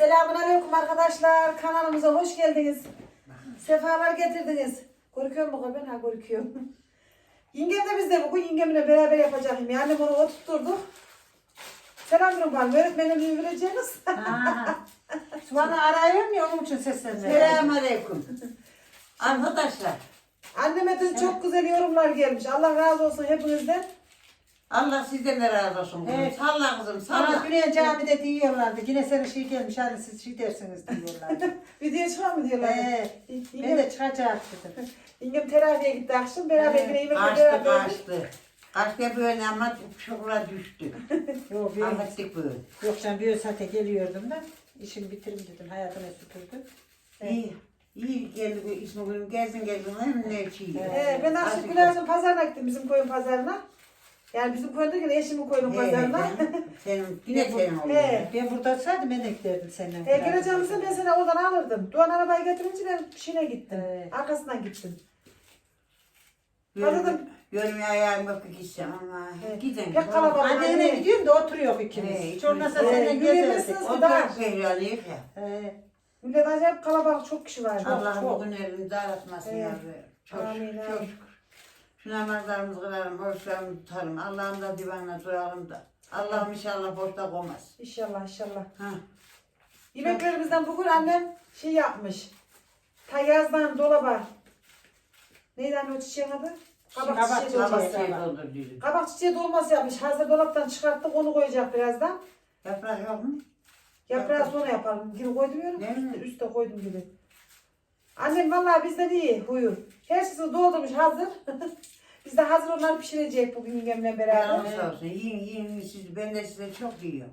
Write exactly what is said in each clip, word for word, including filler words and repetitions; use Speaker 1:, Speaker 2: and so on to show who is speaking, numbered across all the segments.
Speaker 1: Selamünaleyküm arkadaşlar. Kanalımıza hoş geldiniz. Sefalar getirdiniz. Korkuyor mu ben? Ha korkuyorum. Yengem de bizde bugün yengemle beraber yapacağım. Yani onu oturtturduk. Selamünaleyküm bana. Öğretmenimi vereceğiniz.
Speaker 2: Bana arıyorum ya onun için sesleniyorum.
Speaker 3: Selamünaleyküm. Arkadaşlar,
Speaker 1: Anneme dün çok güzel yorumlar gelmiş. Allah razı olsun hepinizden.
Speaker 3: Allah sizden de razı olsun. kızım.
Speaker 2: Evet.
Speaker 3: Salla kızım,
Speaker 2: Sana
Speaker 3: salla.
Speaker 2: Güney Cami'de diyorlardı. Yine senin şey gelmiş hani siz şey dersiniz diyorlardı.
Speaker 1: Video çıkar mı diyorlar.
Speaker 2: Ee, ben
Speaker 1: Yengem,
Speaker 2: de çıkacak dedim.
Speaker 1: yengem teraviye gitti akşam. Beraber
Speaker 2: Evet.
Speaker 1: yine yemekle
Speaker 3: Kaçtı,
Speaker 1: beraber.
Speaker 3: kaçtı. Kaçtı böyle ama çukura düştü.
Speaker 2: Yok yok.
Speaker 3: Anlattık böyle.
Speaker 2: Yok sen bir saate geliyordum da işimi bitireyim dedim. Hayatını süpürdüm.
Speaker 3: İyi. İyi geldi bu İsmi Gülüm. Gezdin gezdin hem ne çiğ.
Speaker 1: Ee, ben akşam Güler'cim pazarına gittim. Bizim koyun pazarına. Yani bizim koyun değil, eşimin koyunun pazarına.
Speaker 3: Senin, yine senin oluyor.
Speaker 1: He.
Speaker 2: Ben burada olsaydım ben de giderdim seninle.
Speaker 1: E, geleceğimizde ben seni oradan alırdım. Doğan arabayı getirince ben Şine gittim.
Speaker 2: Evet.
Speaker 1: Arkasından gittim.
Speaker 3: Yürüme,
Speaker 1: Hazırdım.
Speaker 3: yürüme ayağım yok ki gideceğim ama
Speaker 1: Evet.
Speaker 3: gidin.
Speaker 1: Pek kalabalık.
Speaker 2: Annene gidiyorum da oturuyor ikimiz.
Speaker 3: He,
Speaker 2: Hiç olmazsa
Speaker 1: ikimiz.
Speaker 2: seninle
Speaker 1: He,
Speaker 2: gezerdik.
Speaker 1: yürüyebilirsiniz.
Speaker 3: O
Speaker 1: Daha-
Speaker 3: çok pehliyalıyız ya.
Speaker 2: He.
Speaker 1: Millet acayip kalabalık, çok kişi var.
Speaker 3: Allah
Speaker 1: çok.
Speaker 3: bugün elini dağıtmasın
Speaker 1: Evet.
Speaker 3: ya. Çok
Speaker 1: Amin,
Speaker 3: şükür, çok
Speaker 1: amin.
Speaker 3: şükür. Şu namazlarımızı kılarım, oruçlarımızı tutarım. Allah'ım da divanına duralım da. Allah'ım inşallah boşta koymaz.
Speaker 1: İnşallah inşallah.
Speaker 3: Ha.
Speaker 1: Yemeklerimizden bugün annem şey yapmış. Ta yazdan dolaba. Neydi anne o çiçeğin adı? Kabak,
Speaker 2: Kabak
Speaker 1: çiçeği
Speaker 2: çiçeği.
Speaker 1: dolması.
Speaker 3: Sabah şey
Speaker 2: Sabah.
Speaker 3: doldur diyor.
Speaker 1: Kabak çiçeği dolması yapmış. Hazır dolaptan çıkarttık, onu koyacak birazdan.
Speaker 3: Yaprak yok mu?
Speaker 1: Yaprağı sonra yapalım. Gibi koydum ya.
Speaker 3: Değil mi?
Speaker 1: Üste, üste koydum gibi. Annem vallahi bizden iyi huyu. Her şeyi doldurmuş hazır. Biz de hazır onları pişirecek bugün yengemle beraber.
Speaker 3: Canım sağ olsun. Yiyin yiyin siz. Ben de size çok yiyorum.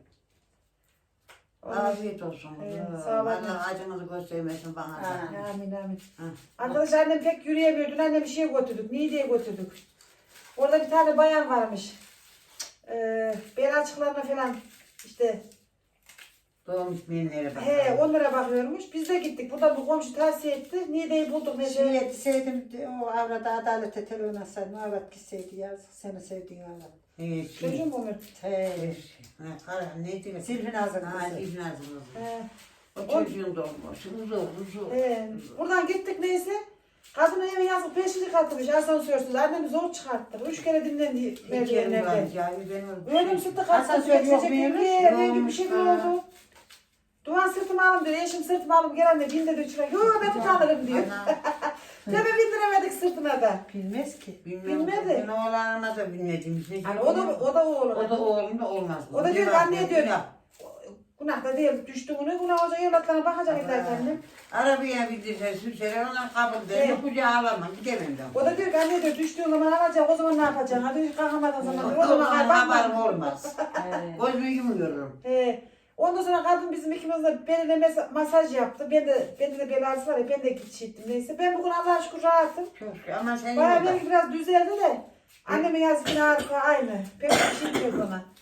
Speaker 3: Afiyet olsun.
Speaker 1: Evet,
Speaker 3: kızım.
Speaker 1: sağ olun.
Speaker 3: Allah acınızı göstermesin bana da.
Speaker 2: Ha.
Speaker 1: Amin amin.
Speaker 3: Ha.
Speaker 1: Arkadaşlar annem pek yürüyemiyor. Dün annem bir şeye götürdük. Niğde'ye götürdük. Orada bir tane bayan varmış. Ee, bel açıklarına falan işte
Speaker 3: Doğmuş benlere bak.
Speaker 1: he onlara bakıyormuş. Biz de gittik. Burada bu komşu tavsiye etti. Niğde'yi bulduk.
Speaker 2: Şey
Speaker 1: Mesela.
Speaker 2: etseydim o avrada adalete telefon atsaydım. Avrat gitseydi ya. Seni sevdiğin avrat.
Speaker 3: Evet. Şey.
Speaker 1: Çocuğum mu?
Speaker 2: He.
Speaker 3: Ha, kara, ne diyor?
Speaker 2: Silvin ağzını
Speaker 3: Ha,
Speaker 2: kızı.
Speaker 3: Silvin ağzını.
Speaker 1: He.
Speaker 3: O çocuğun doğmuş. Kuzu, kuzu.
Speaker 1: He. Buradan gittik neyse. Kadın eve yazıp beşinci katıymış asansörsüz. Annem zor çıkarttı. Üç kere dinlendi
Speaker 3: Hiç yerim
Speaker 1: merdivenlerde.
Speaker 3: var. Yani ben
Speaker 1: Böyle bir sütte
Speaker 2: Asansör
Speaker 1: kalktı.
Speaker 2: yok
Speaker 1: Geçecek
Speaker 2: muymuş?
Speaker 1: bir yere bir
Speaker 3: Yokmuş,
Speaker 1: şey
Speaker 3: ha.
Speaker 1: oldu. Duvan sırtımı alın diyor. Eşim sırtımı alın. Gel anne bin dedi uçuna. Yok ben utanırım diyor. Tabi bindiremedik sırtına da.
Speaker 2: Bilmez ki.
Speaker 3: Bilmem.
Speaker 1: Bilmedi.
Speaker 3: Ben oğlanıma da bilmedim. Şey,
Speaker 1: Yani o da o da oğlu.
Speaker 3: o da oğlum da olmaz.
Speaker 1: O da diyor ki anneye diyor.
Speaker 3: Günah.
Speaker 1: Günah da değil. Düştü bunu. Günah olacak evlatlarına bakacak
Speaker 3: Allah.
Speaker 1: ederken annem.
Speaker 3: Arabaya bindirse sürseler ona kabul der.
Speaker 1: Evet.
Speaker 3: Kucağa alamam. Gidemem ben.
Speaker 1: O da diyor ki anne diyor düştüğün zaman alacak. O zaman ne yapacaksın? Hadi kalkamadığın zaman diyor.
Speaker 3: O
Speaker 1: O zaman
Speaker 3: zaman
Speaker 1: kaybolmaz.
Speaker 3: haberim olmaz.
Speaker 2: He.
Speaker 3: Gözümü yumuyorum.
Speaker 1: He. Ondan sonra kadın bizim ikimiz de beline mes- masaj yaptı. Ben de bende de bel ağrısı var ya ben de gittim neyse. Ben bugün Allah'a şükür rahatım.
Speaker 3: Çok şükür ama sen
Speaker 1: Bayağı
Speaker 3: yumurta.
Speaker 1: benimki biraz düzeldi de. Annemin yazık yine ağrısı aynı. Pek bir şey yok ona.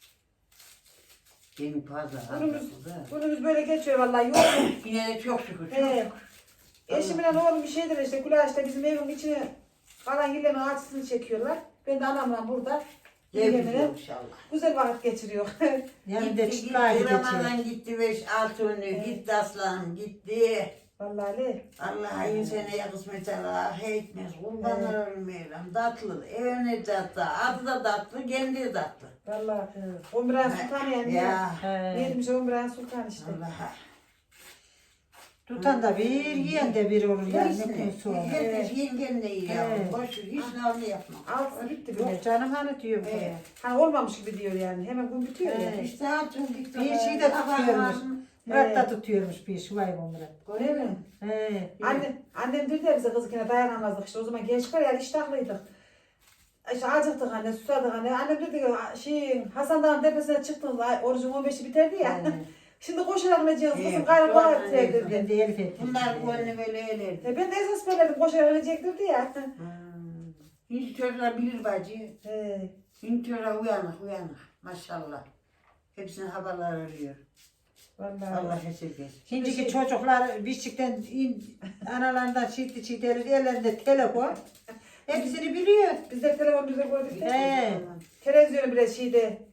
Speaker 3: Benim fazla
Speaker 1: Günümüz,
Speaker 3: ağrısı.
Speaker 1: günümüz böyle geçiyor vallahi. Yoğun.
Speaker 3: Yine de çok şükür. Çok
Speaker 1: He.
Speaker 3: şükür.
Speaker 1: Eşimle oğlum bir şeydir işte. Kulağı işte bizim evin içine kalan yillerin ağaçsını çekiyorlar. Ben de anamla burada.
Speaker 3: Zevkli
Speaker 1: Yengemle
Speaker 3: inşallah.
Speaker 1: güzel vakit geçiriyor.
Speaker 2: Yani de
Speaker 3: Gitti
Speaker 2: çıtlığa
Speaker 3: gitti
Speaker 2: gidecek.
Speaker 3: Ramazan gitti beş altı önü gitti aslanım gitti.
Speaker 1: Vallahi Ali.
Speaker 3: Allah iyi seneye kısmet Allah etmez. Kurbanlar ölmeyelim. Tatlı. Evine tatlı. Adı da tatlı. Kendi de tatlı.
Speaker 1: Vallahi. Umran Sultan yani.
Speaker 3: Ya.
Speaker 2: He.
Speaker 1: Neymiş Umran Sultan işte.
Speaker 3: Allah'a.
Speaker 2: Tutan da bir, yiyen de bir olur yani. Ne
Speaker 3: Hepsini.
Speaker 2: sonra.
Speaker 3: Herkes yengen de iyi yavrum.
Speaker 2: Evet.
Speaker 3: Boş ver. Hiç navlı yapma.
Speaker 1: Altı bitti bile.
Speaker 2: Yok canım hani diyorum
Speaker 3: Evet.
Speaker 2: evet.
Speaker 1: Hani olmamış gibi diyor yani. Hemen gün bitiyor ya.
Speaker 2: Evet.
Speaker 3: İşte hatun gitti.
Speaker 2: Bir şey de tutuyormuş. Murat da tutuyormuş bir şu vay bu Murat.
Speaker 1: Değil mi?
Speaker 2: He.
Speaker 1: Annem, annem dedi ya bize kızıkine dayanamazdık işte o zaman genç var yani iştahlıydık. İşte acıktık anne, susadık anne. Annem dedi ki şey, Hasan Dağ'ın tepesine çıktınız, ay, orucun on beşi biterdi ya.
Speaker 2: Evet.
Speaker 1: Şimdi koşarak gideceğiz, kızım
Speaker 3: Evet,
Speaker 1: gayrı
Speaker 3: doğru,
Speaker 1: kolay
Speaker 3: evet.
Speaker 1: biterdi dedi.
Speaker 2: Ben de Elif ettim.
Speaker 3: Bunlar bu önüne böyle eğlerdi.
Speaker 1: E, ben de esas belirledim, koşarak gidecek dedi ya.
Speaker 3: Hmm. Şimdi çocuklar bilir bacı.
Speaker 1: He.
Speaker 3: Şimdi çocuklar uyanık uyanık. Maşallah. Hepsinin haberler arıyor.
Speaker 1: Vallahi.
Speaker 3: Allah esirgesin.
Speaker 2: Şimdiki çocuklar biçikten in, analarından çiğdi çiğdi ellerinde telefon. Hepsini biliyor.
Speaker 1: Biz de telefon bize koyduk.
Speaker 2: He.
Speaker 1: Televizyonu bile şeyde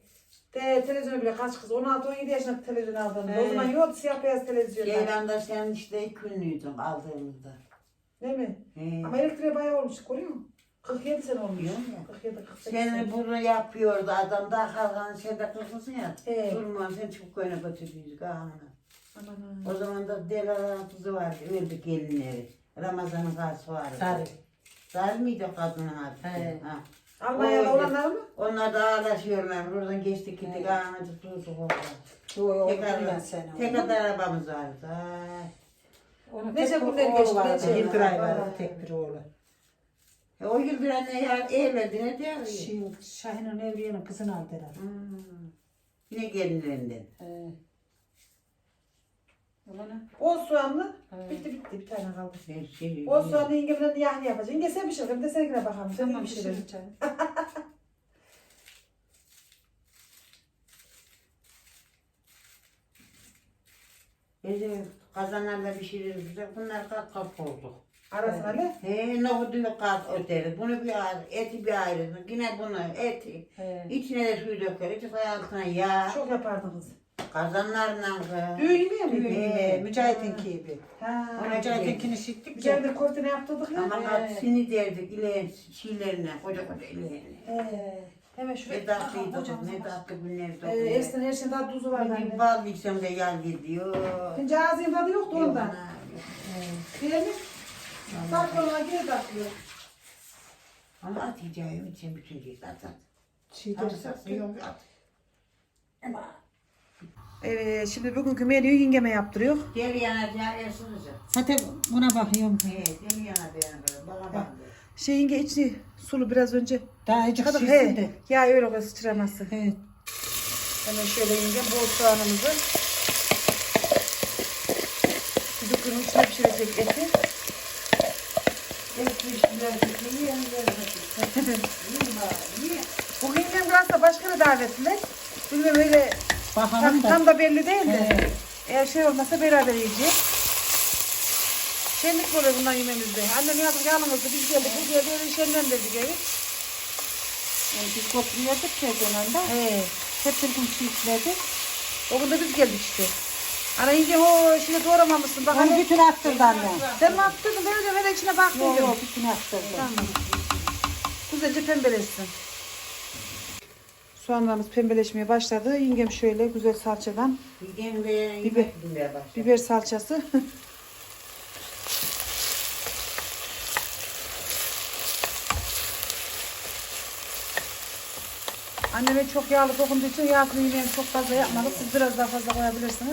Speaker 1: De televizyonu bile kaç kız on altı on yedi yaşında televizyon aldığımda. O
Speaker 2: He.
Speaker 1: zaman yoktu siyah beyaz televizyonlar.
Speaker 3: Ceylan'da sen işte iki ünlüydün aldığımızda.
Speaker 1: Değil mi?
Speaker 3: He.
Speaker 1: Ama elektriğe bayağı olmuş görüyor musun? kırk yedi sene olmuş.
Speaker 3: Biliyorum ya.
Speaker 1: kırk yedi kırk sekiz
Speaker 3: Seni
Speaker 1: sene.
Speaker 3: bunu yapıyordu adam daha kalkan sen de kızlısın ya.
Speaker 1: He.
Speaker 3: Durma sen çubuk koyuna götürdüydük ağına.
Speaker 1: Aman
Speaker 3: O zaman da Delala kızı vardı öldü gelinleri. Ramazan'ın karısı vardı.
Speaker 2: Sarı.
Speaker 3: Sarı mıydı o kadının adı?
Speaker 2: He.
Speaker 3: Ha.
Speaker 1: Almanya'da
Speaker 3: Oydu.
Speaker 1: olanlar mı?
Speaker 3: Onlar da ağlaşıyorlar. Buradan geçtik gittik
Speaker 2: He.
Speaker 3: ağına tuttuk orada.
Speaker 2: Yo yo
Speaker 3: Tekrar,
Speaker 2: ben seni.
Speaker 3: tekrar arabamız vardı. Ay.
Speaker 2: Onun
Speaker 1: Nece
Speaker 2: tek bir
Speaker 1: günler
Speaker 2: oğlu
Speaker 1: geçti,
Speaker 2: vardı.
Speaker 1: nece.
Speaker 2: Yıldıray
Speaker 1: Vallahi.
Speaker 2: vardı tek bir oğlu.
Speaker 3: E, o yıl bir anne ya evlendi ne diyor?
Speaker 2: Şimdi Şahin'in evliyenin kızını aldılar.
Speaker 3: Hmm. Yine gelinlerinden.
Speaker 2: He. Ulan
Speaker 1: Bol soğanlı.
Speaker 2: He.
Speaker 1: Bitti bitti bir tane kaldı.
Speaker 3: Her şey.
Speaker 1: Bol soğanlı yengemle yahni yapacağım. Yenge sen pişir. Hem de seninkine bakalım. Sen
Speaker 2: tamam
Speaker 1: iyi pişirin.
Speaker 2: pişirin canım.
Speaker 3: Biz kazanlarla pişiririz. Bunlar kat kat olduk.
Speaker 1: Arasına ne?
Speaker 3: He, nohudu kat öteriz. Bunu bir ayrı, eti bir ayrı. Yine bunu eti.
Speaker 2: He.
Speaker 3: İçine de suyu dökeriz. İçine altına yağ.
Speaker 1: Çok yapardınız.
Speaker 3: Kazanlarla kız.
Speaker 1: Düğün yemeği mi?
Speaker 2: Düğün
Speaker 3: He.
Speaker 2: yemeği, Mücahit'inki gibi.
Speaker 1: Ha.
Speaker 2: Mücahit'inkini şittik
Speaker 1: Bir
Speaker 2: ya.
Speaker 1: kere de köftene yaptırdık ya.
Speaker 3: Ama katsini derdik ileyen çiğlerine, koca koca ileyen.
Speaker 1: Ee, hemen şuraya.
Speaker 3: Ne tatlıydı
Speaker 1: Aha, hocam,
Speaker 3: kız, ne tatlı günler
Speaker 1: Ee,
Speaker 3: dokunuyor.
Speaker 1: Efsin her şeyin daha tuzu var
Speaker 3: Bir
Speaker 1: bende.
Speaker 3: bal içsem de yağ gidiyor.
Speaker 1: Şimdi ağzının tadı yoktu ondan.
Speaker 3: Yok,
Speaker 1: Değil mi? Saklama geri tatlıyor.
Speaker 3: ama at yiyeceğim için bütün şey at at.
Speaker 2: Çiğ
Speaker 3: Sarımsaklı yok at.
Speaker 1: Evet, şimdi bugünkü menüyü yengeme yaptırıyor.
Speaker 3: Deri yanacağı yersiniz.
Speaker 2: Zaten buna bakıyorum.
Speaker 3: He, deri yanacağı böyle bana bak.
Speaker 1: Şey yenge içi sulu biraz önce.
Speaker 2: Daha hiç
Speaker 1: Kadın
Speaker 2: şişsin
Speaker 1: he.
Speaker 2: de.
Speaker 1: Ya öyle o sıçraması.
Speaker 2: He.
Speaker 1: Hemen şöyle yenge bol soğanımızı. Düdüklünün içine pişirecek eti.
Speaker 3: Et piştiler, piştiler, yiyenler.
Speaker 1: Bugün yengem biraz da başka bir davetliler. Bilmem öyle tam,
Speaker 2: Bakalım da.
Speaker 1: tam da belli değil de.
Speaker 2: He.
Speaker 1: Eğer şey olmasa beraber yiyeceğiz. Şenlik oluyor bundan yememizde. Annem yazık yalnızdı. Biz geldik. Bu diye böyle şenlendirdik evi.
Speaker 2: Yani biz oturuyorduk ya dönemde.
Speaker 1: He.
Speaker 2: Hep bir gün çiftledik.
Speaker 1: O gün de biz geldik işte. Ana yenge o şimdi doğramamışsın. Bak
Speaker 2: Onu
Speaker 1: hani
Speaker 2: bütün attırdı annem.
Speaker 1: sen mi attırdın? Ben öyle hele içine bak
Speaker 2: Yok
Speaker 1: dedim.
Speaker 2: yok bütün attırdı.
Speaker 1: Tamam. Güzelce pembeleşsin. Soğanlarımız pembeleşmeye başladı. Yengem şöyle güzel salçadan
Speaker 3: Yiyeceğim de
Speaker 1: Biber.
Speaker 3: yemek bilmeye başladı.
Speaker 1: biber salçası. Anneme çok yağlı dokunduğu için yağsını yemeğini çok fazla yapmadık. Siz biraz daha fazla koyabilirsiniz.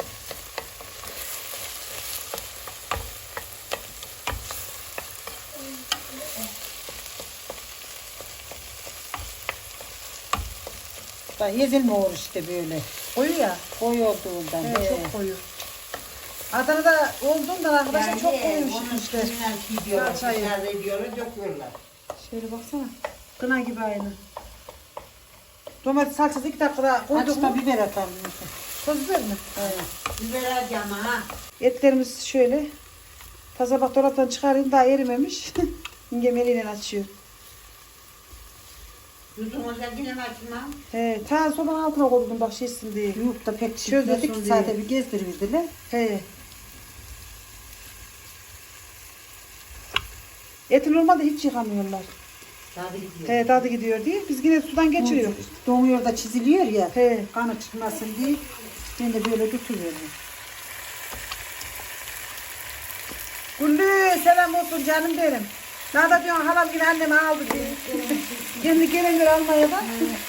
Speaker 2: Da ezilme olur işte böyle.
Speaker 1: Koyu ya.
Speaker 2: Koyu olduğundan.
Speaker 1: Evet,
Speaker 2: He.
Speaker 1: çok koyu. Adana'da olduğundan arkadaşlar çok koyuymuş
Speaker 3: onun
Speaker 1: gitmişler.
Speaker 3: üstünden şey diyorlar,
Speaker 1: Salçayı.
Speaker 3: dışarıda ediyorlar, döküyorlar.
Speaker 1: Şöyle baksana. Kına gibi aynı. Domates salçası iki dakikada koyduk
Speaker 2: Açma
Speaker 1: mu?
Speaker 2: biber atalım.
Speaker 1: Toz biber mi?
Speaker 3: Biber alacağım ha.
Speaker 1: Etlerimiz şöyle. Taze bak dolaptan çıkarayım daha erimemiş. Yengem eliyle açıyor.
Speaker 3: Yutumuza yine mi açmam?
Speaker 1: He, ta sobanın altına koydum bak şişsin diye.
Speaker 2: Yok da pek
Speaker 1: Çözledik
Speaker 2: çizmesin
Speaker 1: diye.
Speaker 2: zaten bir gezdirdiler.
Speaker 1: He. Etin olmadı hiç yıkamıyorlar.
Speaker 3: Tadı gidiyor.
Speaker 1: He, tadı gidiyor diye. Biz yine sudan geçiriyoruz.
Speaker 2: Donuyor da çiziliyor ya.
Speaker 1: He.
Speaker 2: Kanı çıkmasın diye. Ben de böyle tutuyorum.
Speaker 1: Güllü selam olsun canım benim. Ne da diyorsun halam yine anneme aldı diye. Kendi gelenleri Almanya'dan.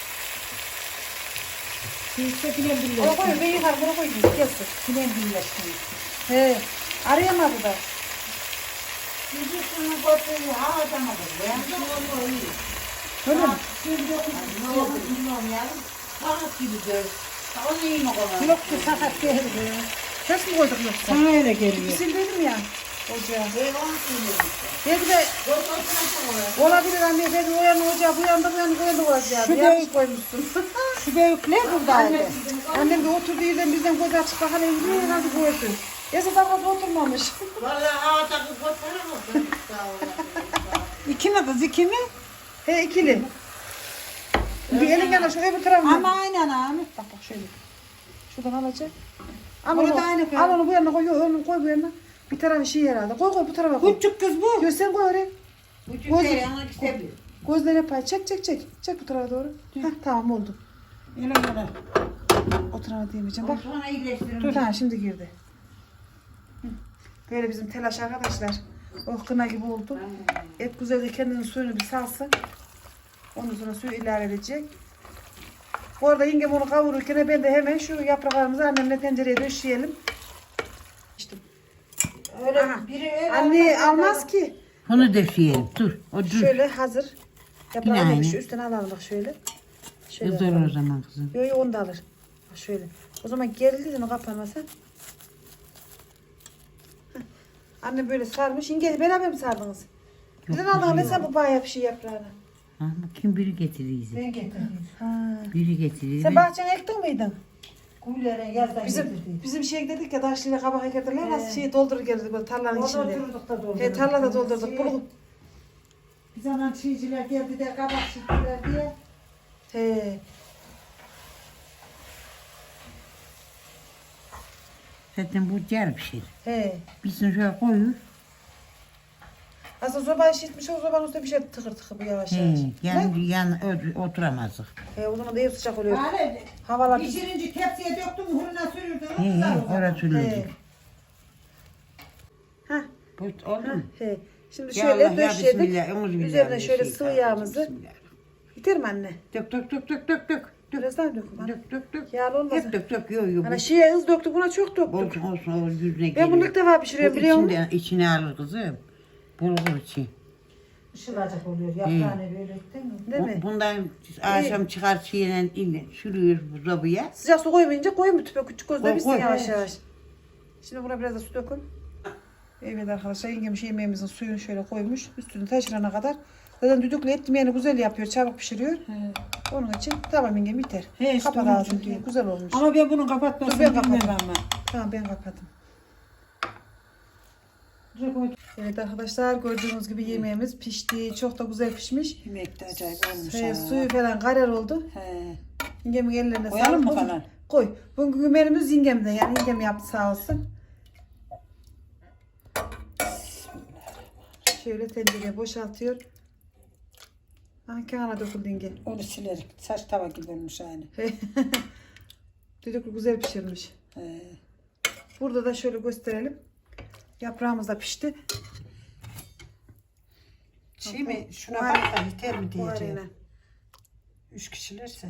Speaker 2: Kimse bilen
Speaker 1: Ona
Speaker 2: bilir.
Speaker 1: koyun ben yıkarım ona koyun. Kesin.
Speaker 2: Bilen bilir şimdi.
Speaker 1: He. Arayamadı da.
Speaker 3: Bizi şunu götürüyor, ha adamadır. Ben de onu iyi.
Speaker 1: Öyle mi?
Speaker 3: Şimdi ne oldu bilmiyorum ya. Sakat gibi gör. Onu iyi mi koyalım?
Speaker 2: Yok ki sakat değil.
Speaker 1: Ters mi koyduk yoksa?
Speaker 2: Sana öyle geliyor.
Speaker 1: Sil dedim ya. Ocağa.
Speaker 3: Ben onu söylüyorum işte.
Speaker 1: Belki de
Speaker 3: Götürsün
Speaker 1: olabilir anne. Belki o yanı ocağı bu yanda bu yanı bu yanda olacak.
Speaker 2: Şu
Speaker 1: Yanlış
Speaker 2: da-
Speaker 1: koymuşsun.
Speaker 2: Şu büyükler buradaydı.
Speaker 1: Annem de oturduğu yerden bizden göz açık bakalım. Niye nasıl koydu? Esas arkada oturmamış.
Speaker 3: Vallahi ağda kız götürür mü?
Speaker 2: İki mi kız iki mi?
Speaker 1: He ikili. Bir elin yana şu öbür tarafına.
Speaker 2: Ama aynen abi.
Speaker 1: Bak bak şöyle. Şuradan alacak. Al
Speaker 2: Orada
Speaker 1: onu,
Speaker 2: aynı koy.
Speaker 1: al onu bu yana koy. Yok, onu koy bu yana. Bir tarafı şey herhalde. Koy koy bu tarafa koy.
Speaker 2: Küçük kız bu.
Speaker 1: Yok sen koy oraya.
Speaker 3: Bu
Speaker 1: Gözle-
Speaker 3: cüzdeyi yanına gidebilir.
Speaker 1: Gözleri pay. Çek çek çek. Çek bu tarafa doğru. Heh, tamam oldu.
Speaker 2: Öyle öyle.
Speaker 1: O tarafa diyemeyeceğim.
Speaker 3: Bak
Speaker 1: Bak.
Speaker 3: sonra iyileştirin.
Speaker 1: Dur tamam şimdi girdi. Hı. Böyle bizim telaş arkadaşlar. Oh kına gibi oldu. Et güzelce kendinin suyunu bir salsın. Ondan sonra suyu ilave edecek. Bu arada yengem onu kavururken ben de hemen şu yapraklarımızı annemle tencereye döşeyelim. İşte.
Speaker 2: Öyle
Speaker 1: Aha.
Speaker 2: biri öyle.
Speaker 1: Anne almaz ki.
Speaker 3: Bunu döşeyelim. Dur. O dur.
Speaker 1: Şöyle hazır.
Speaker 3: Yine
Speaker 1: Yaprağı
Speaker 3: aynı.
Speaker 1: da şu üstüne alalım bak şöyle. Şöyle
Speaker 3: Kız olur
Speaker 1: yapalım.
Speaker 3: o zaman kızım.
Speaker 1: Yo yo onu da alır. Bak şöyle. O zaman gerildi mi kapanmasa. Heh. Anne böyle sarmış. Yenge beraber mi sardınız? Neden aldın anne sen bu bayağı bir şey yaprağını?
Speaker 3: Ha, bu kim biri getirdiyse.
Speaker 2: Ben getirdim.
Speaker 1: Ha.
Speaker 3: Biri getirdiyse.
Speaker 1: Sen bahçene ektin miydin?
Speaker 2: Kuylere yazdan
Speaker 1: Bizim
Speaker 2: getirdim.
Speaker 1: bizim şey dedik ya taşlıyla kabak ekerdiler nasıl şeyi doldurur gelirdik böyle tarlanın
Speaker 2: Orada
Speaker 1: içinde.
Speaker 2: oturduk da doldurduk.
Speaker 1: He tarlada doldurduk.
Speaker 2: Şey,
Speaker 1: Bulgur.
Speaker 2: Bir zaman şeyciler geldi de kabak şiştiler diye.
Speaker 1: He.
Speaker 3: Zaten bu diğer bir şey.
Speaker 1: He.
Speaker 3: Bizim şöyle koyuyor.
Speaker 1: Aslında sobayı şişmiş o sobanın üstüne bir şey tıkır tıkır bu yavaş yavaş.
Speaker 3: He, yan, yan ö- oturamazdık.
Speaker 1: He o zaman da ev sıcak oluyor.
Speaker 2: Hani
Speaker 1: Havalar pis.
Speaker 2: pişirince tepsiye döktüm huruna sürdüm.
Speaker 3: He he, orası
Speaker 1: He.
Speaker 3: öyle.
Speaker 1: Hah.
Speaker 3: Bu oldu mu?
Speaker 1: He. Şimdi
Speaker 3: Ya
Speaker 1: şöyle
Speaker 3: Allah, ya
Speaker 1: döşedik.
Speaker 3: Bismillah, euzubillahimineşşeytanirracim.
Speaker 1: Üzerine şöyle sıvı yağımızı.
Speaker 3: Bismillah.
Speaker 1: Biter mi anne?
Speaker 3: Dök dök dök dök dök dök. Dök
Speaker 1: Biraz daha dökün bana.
Speaker 3: dök dök dök.
Speaker 1: Yağlı olmasın.
Speaker 3: Hep dök dök. Yok yok.
Speaker 1: Hani şeye hız döktük buna çok döktük.
Speaker 3: Olsun olsun o yüzüne
Speaker 1: Ben bunu
Speaker 3: geliyor.
Speaker 1: ilk defa pişiriyorum
Speaker 3: Bu
Speaker 1: biliyor musun?
Speaker 3: içinde, içine alır kızım. Bulgur içi.
Speaker 2: Işılacak oluyor yaprağını böyle değil mi?
Speaker 1: Değil mi?
Speaker 3: Bu- Bundan akşam çıkar çiğnen ile sürüyor bu sobaya.
Speaker 1: Sıcak su koymayınca koyun bir tüpe küçük gözle
Speaker 3: Koy,
Speaker 1: bitsin
Speaker 3: koy.
Speaker 1: yavaş
Speaker 2: Evet.
Speaker 1: yavaş. Şimdi buna biraz da su dökün. Evet arkadaşlar yengem şey yemeğimizin suyunu şöyle koymuş. Üstünü taşırana kadar. Zaten düdüklü et yemeğini güzel yapıyor. Çabuk pişiriyor.
Speaker 2: He.
Speaker 1: Onun için tamam yengem biter.
Speaker 2: He, işte
Speaker 1: Kapat
Speaker 2: onun
Speaker 1: ağzını
Speaker 2: için.
Speaker 1: diyor. Güzel olmuş.
Speaker 2: Ama ben bunun
Speaker 1: Dur, ben
Speaker 2: kapatmasını bilmem
Speaker 1: kapatayım.
Speaker 2: ama.
Speaker 1: Tamam ben kapattım.
Speaker 2: Dur koy.
Speaker 1: Evet arkadaşlar gördüğünüz gibi yemeğimiz pişti. Çok da güzel pişmiş.
Speaker 2: Yemek de acayip olmuş
Speaker 1: Ee,
Speaker 2: ha.
Speaker 1: suyu falan karar oldu.
Speaker 2: He.
Speaker 1: Yengemin ellerine
Speaker 2: Koyalım mı
Speaker 1: sağlık.
Speaker 2: falan?
Speaker 1: Koy. Bugün menümüz yengemden yani yengem yaptı sağ olsun. Şöyle tencereye boşaltıyor. Ah kenara döküldü yenge.
Speaker 2: Onu silerim. Saç tava gibi olmuş aynı.
Speaker 1: Düdüklü güzel pişirmiş.
Speaker 2: He.
Speaker 1: Burada da şöyle gösterelim. Yaprağımız da pişti.
Speaker 2: Şey mi? Şuna
Speaker 1: Bu
Speaker 2: bak
Speaker 1: hal-
Speaker 2: da yeter mi
Speaker 1: Bu haline.
Speaker 2: diyeceğim. Üç kişilerse.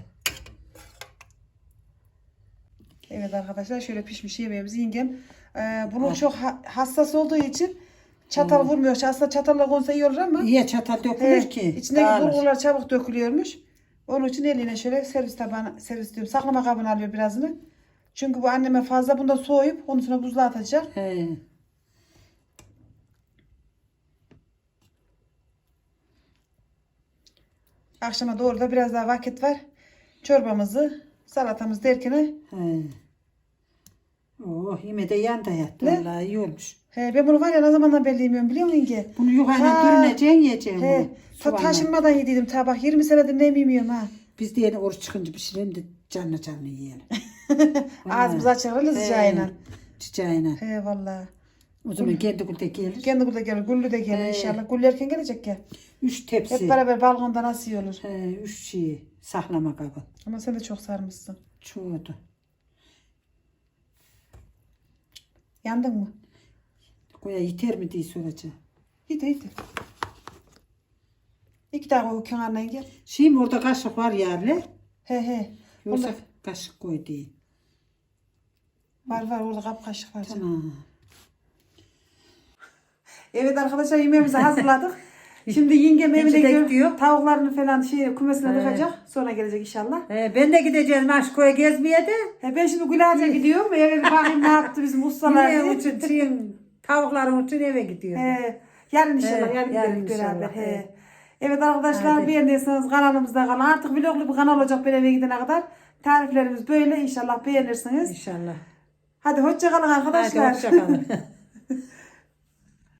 Speaker 1: Evet arkadaşlar şöyle pişmiş yemeğimizi yengem. Ee, bunun çok ha- hassas olduğu için çatal vurmuyor. Aslında çatalla konsa iyi olur ama
Speaker 2: İyi çatal dökülür
Speaker 1: he,
Speaker 2: ki.
Speaker 1: içindeki
Speaker 2: dağılır.
Speaker 1: bulgurlar çabuk dökülüyormuş. Onun için eline şöyle servis tabağına, servis diyorum saklama kabına alıyor birazını. Çünkü bu anneme fazla bunda soğuyup onun üstüne buzluğa atacak.
Speaker 2: He.
Speaker 1: Akşama doğru da biraz daha vakit var. Çorbamızı, salatamızı derken
Speaker 2: He. Oh yeme de yan da yattı.
Speaker 1: Ne?
Speaker 2: Vallahi iyi olmuş.
Speaker 1: he, ben bunu var ya ne zamandan beri yemiyorum biliyor musun yenge?
Speaker 2: Bunu yukarıdan
Speaker 1: Ta-
Speaker 2: dürüneceksin yiyeceksin
Speaker 1: He,
Speaker 2: bunu.
Speaker 1: ta
Speaker 2: Soğanla.
Speaker 1: taşınmadan yediydim ta bak yirmi senedir ne yemiyorum ha.
Speaker 2: Biz de yeni oruç çıkınca pişirelim de canlı canlı yiyelim.
Speaker 1: Ağzımızı açarız sıcağıyla.
Speaker 2: Çiçeğine.
Speaker 1: He vallahi.
Speaker 2: O zaman kendi kulda gelir.
Speaker 1: Kendi burada gelir, güllü de gelir
Speaker 2: He.
Speaker 1: inşallah. Güllü erken gelecek ya.
Speaker 2: Üç tepsi.
Speaker 1: Hep beraber balkonda nasıl iyi olur.
Speaker 2: He, üç şey. Saklama kabı.
Speaker 1: Ama sen de çok sarmışsın.
Speaker 2: Çoğudu.
Speaker 1: Yandın mı?
Speaker 2: Koya yeter mi diye soracağım.
Speaker 1: Yedi yedi. İki tane koy kenarına gel.
Speaker 2: Şimdi orada kaşık var yerli.
Speaker 1: He he.
Speaker 2: Yoksa
Speaker 1: Onda-
Speaker 2: kaşık koy diye.
Speaker 1: Var var orada kap kaşık var.
Speaker 2: Tamam.
Speaker 1: Evet arkadaşlar yemeğimizi hazırladık. Şimdi yengem evine
Speaker 2: İçi de
Speaker 1: gidiyor.
Speaker 2: gidiyor.
Speaker 1: Tavuklarını falan şey kümesine
Speaker 2: He.
Speaker 1: bakacak. Sonra gelecek inşallah.
Speaker 2: He, ben de gideceğim Aşko'ya gezmeye de.
Speaker 1: He, ben şimdi Gülağaç'a gidiyorum. Eve bir bakayım ne yaptı bizim ustalar
Speaker 2: Yine
Speaker 1: diye.
Speaker 2: uçun, şeyin, tavukların uçun eve gidiyorum.
Speaker 1: He. Yarın inşallah.
Speaker 2: He,
Speaker 1: yarın
Speaker 2: yarın
Speaker 1: gidelim beraber.
Speaker 2: inşallah,
Speaker 1: He.
Speaker 2: he.
Speaker 1: Evet arkadaşlar
Speaker 2: Hadi.
Speaker 1: beğendiyseniz kanalımızda kalın. Artık vloglu bir kanal olacak ben eve gidene kadar. Tariflerimiz böyle. İnşallah beğenirsiniz.
Speaker 2: İnşallah.
Speaker 1: Hadi hoşça kalın arkadaşlar.
Speaker 2: Hadi hoşça kalın.